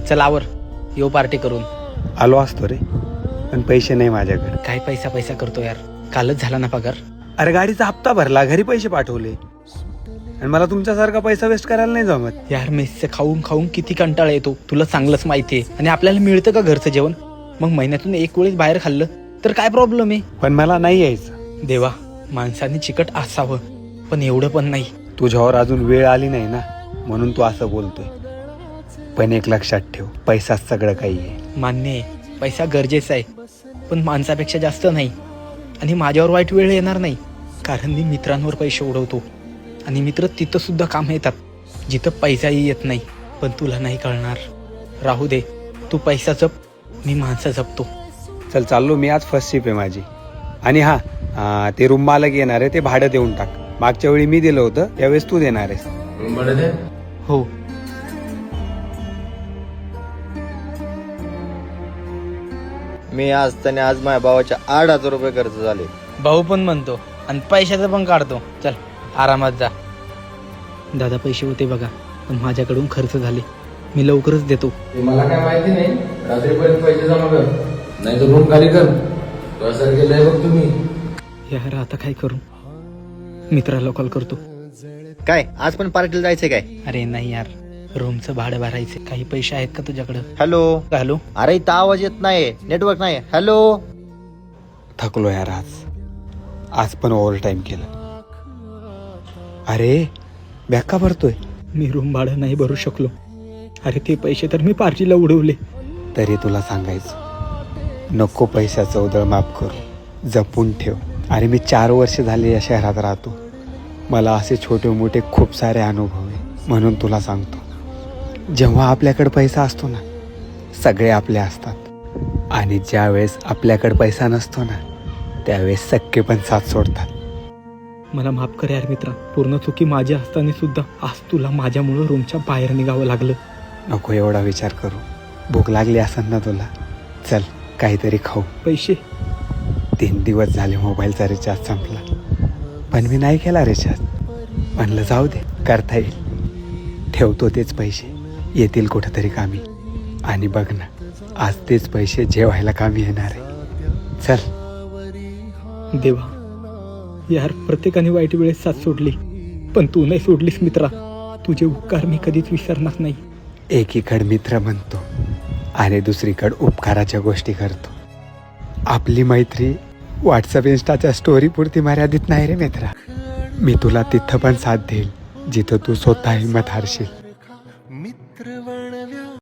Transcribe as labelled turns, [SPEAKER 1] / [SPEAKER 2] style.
[SPEAKER 1] चल आवर, येऊ पार्टी करून.
[SPEAKER 2] आलो असतो रे, पण पैसे नाही माझ्याकडे.
[SPEAKER 1] काय पैसा पैसा करतो यार, कालच झाला ना पगार.
[SPEAKER 2] अरे गाडीचा हप्ता भरला, घरी पैसे पाठवले, आणि मला तुमच्यासारखा पैसा वेस्ट करायला नाही जमत.
[SPEAKER 1] यार मेसचं खाऊन खाऊन किती कंटाळा येतो, तुला चांगलंच माहितीये. आणि आपल्याला मिळतं का घरचं जेवण? मग महिन्यातून एक वेळेस बाहेर खाल्लं तर काय प्रॉब्लेम आहे?
[SPEAKER 2] पण मला नाही यायचं.
[SPEAKER 1] देवा, माणसाने चिकट असावं, पण एवढं पण नाही.
[SPEAKER 2] तुझ्यावर अजून वेळ आली नाही ना, म्हणून तू असं बोलतोय. पण एक लक्षात ठेव, पैसाच सगळं काही आहे.
[SPEAKER 1] मान्य आहे, पैसा गरजेचा आहे, पण माणसापेक्षा जास्त नाही. आणि माझ्यावर वाईट वेळ येणार नाही, कारण मी मित्रांवर पैसे उडवतो. आणि मित्र तिथं सुद्धा काम येतात जिथं पैसाही येत नाही. पण तुला नाही कळणार. राहू दे, तू पैसा जप, मी माणसं जपतो.
[SPEAKER 2] चल चाललो मी, आज फर्स्ट शिप आहे माझी. आणि हा ते रूम मालक येणार आहे, ते भाडं देऊन टाक. मागच्या वेळी मी दिलं होतं, त्यावेळेस तू देणार आहेस.
[SPEAKER 1] हो.
[SPEAKER 3] मी आज माझ्या भावाच्या 8,000 रुपये खर्च झाले.
[SPEAKER 1] भाऊ पण म्हणतो आणि पैशाचं पण काढतो. चल आरामात जा. दादा पैसे होते बघा, पण माझ्याकडून खर्च झाले. मी लवकरच देतो.
[SPEAKER 4] मला काय माहिती नाही, रात्रीपर्यंत पैसे जमा कर, नाही तर रूम खाली कर. असं केलंय बघ तुम्ही.
[SPEAKER 1] यार आता काय करू? मित्राला कॉल करतो.
[SPEAKER 3] काय आज पण पार्टीला जायचंय काय?
[SPEAKER 1] अरे नाही यार, रूमचं भाडं भरायचं. काही पैसे आहेत का तुझ्याकडं?
[SPEAKER 3] हॅलो.
[SPEAKER 1] हॅलो.
[SPEAKER 3] अरे इथं आवाज येत नाही, नेटवर्क नाही. हॅलो.
[SPEAKER 2] थकलो यार, आज पण ओव्हर टाइम केलं. अरे बॅग का भरतोय?
[SPEAKER 1] मी रूम भाडं नाही भरू शकलो. अरे ते पैसे तर मी पार्टीला उडवले.
[SPEAKER 2] तरी तुला सांगायचं, नको पैशाचं उधळ माफ करू, जपून ठेव. अरे मी 4 वर्ष झाले या शहरात राहतो. मला असे छोटे मोठे खूप सारे अनुभव आहे. म्हणून तुला सांगतो, जेव्हा आपल्याकडे पैसा असतो ना, सगळे आपले असतात. आणि ज्या वेळेस आपल्याकडे पैसा नसतो ना, त्यावेळेस सख्खे पण साथ सोडतात.
[SPEAKER 1] मला माफ कर यार मित्रा, पूर्ण चुकी माझी असताना सुद्धा आज तुला माझ्यामुळं रूमच्या बाहेर निघावं लागलं.
[SPEAKER 2] नको एवढा विचार करू. भूक लागली असेल ना तुला, चल काहीतरी खाऊ.
[SPEAKER 1] पैसे?
[SPEAKER 2] 3 दिवस झाले मोबाईलचा रिचार्ज संपला, पण मी नाही केला रिचार्ज. म्हणलं जाऊ दे, करता येईल. ठेवतो तेच पैसे, येतील कुठंतरी कामी. आणि बघ ना, आज तेच पैसे जेवायला कामी येणार आहे. चल.
[SPEAKER 1] देवा यार, प्रत्येकाने वाईट वेळेस साथ सोडली, पण तू नाही सोडलीस मित्रा. तुझे उपकार मी कधीच विसरणार नाही.
[SPEAKER 2] एकीकडे मित्र म्हणतो आणि दुसरीकडे उपकाराच्या गोष्टी करतो. आपली मैत्री व्हॉट्सअप इन्स्टाच्या स्टोरी पुरती मर्यादित नाही रे मित्रा. मी तुला तिथं पण साथ देईल जिथं तू स्वतः हिंमत हारशील.